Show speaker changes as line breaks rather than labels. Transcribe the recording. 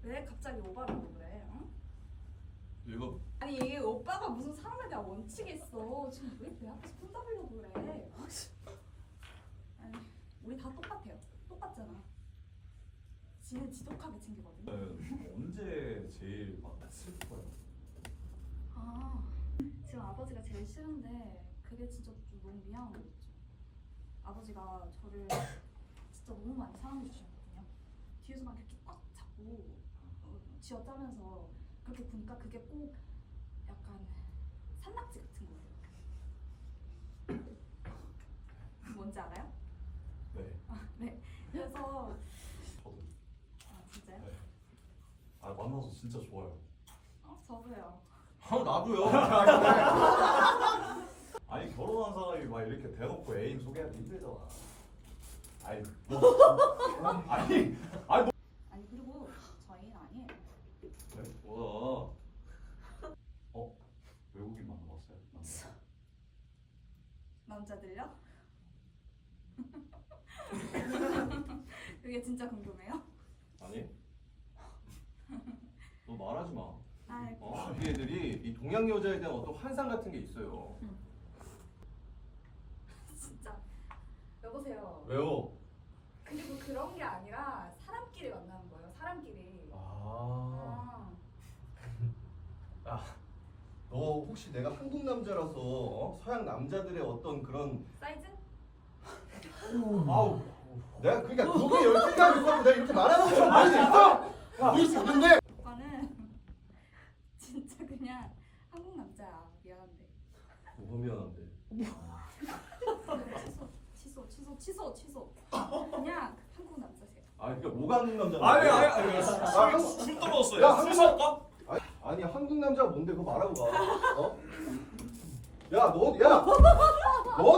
왜 갑자기 오바라고 그래? 응?
이거
아니 오빠가 무슨 사람에 대한 원칙이 있어. 지금 왜 내 앞에서 폰 잡으려고 그래? 아니 우리 다 똑같아요. 똑같잖아. 지는 지독하게 챙기거든.
언제 제일 막 슬퍼요?
아 지금 아버지가 제일 싫은데 그게 진짜 좀 너무 미안한 거 있죠. 아버지가 저를 진짜 너무 많이 사랑해 주셨거든요. 뒤에서 막 이렇게 꽉 잡고 쥐어짜면서 그렇게 보니까 그게 꼭 약간 산낙지 같은 거예요. 뭔지 알아요?
네.
네. 그래서
저도.
아 진짜요?
네. 아 만나서 진짜 좋아요.
저도요.
나도요. 아니 결혼한 사람이 막 이렇게 대놓고 애인 소개하기 힘들잖아. 아니 아니
아니 그리고 저희는 아니에요.
네? 뭐야? 외국인 만나봤어요?
남자들요? 그게 진짜 궁금해요?
아니? 너 말하지 마.
우리 애들이 이 동양 여자에 대한 어떤 환상 같은 게 있어요.
진짜 여보세요.
왜요?
그리고 그런 게 아니라 사람끼리 만나는 거예요. 사람끼리.
너 혹시 내가 한국 남자라서 서양 남자들의 어떤 그런
사이즈?
아우 내가 그러니까 그게 열등감이 있고 내가 이렇게 말하는 것처럼 보일 수 있어? 보일 수 있는데
오빠는 진짜 그냥 한국 남자야. 미안한데.
뭐가 미안한데.
취소. 그냥 한국 남자세요.
그러니까 뭐가 한국 남자인데?
아니 술 떨어졌어요.
야,
술 살까?
아니 한국 남자가 뭔데 그거 말하고 가. 야 너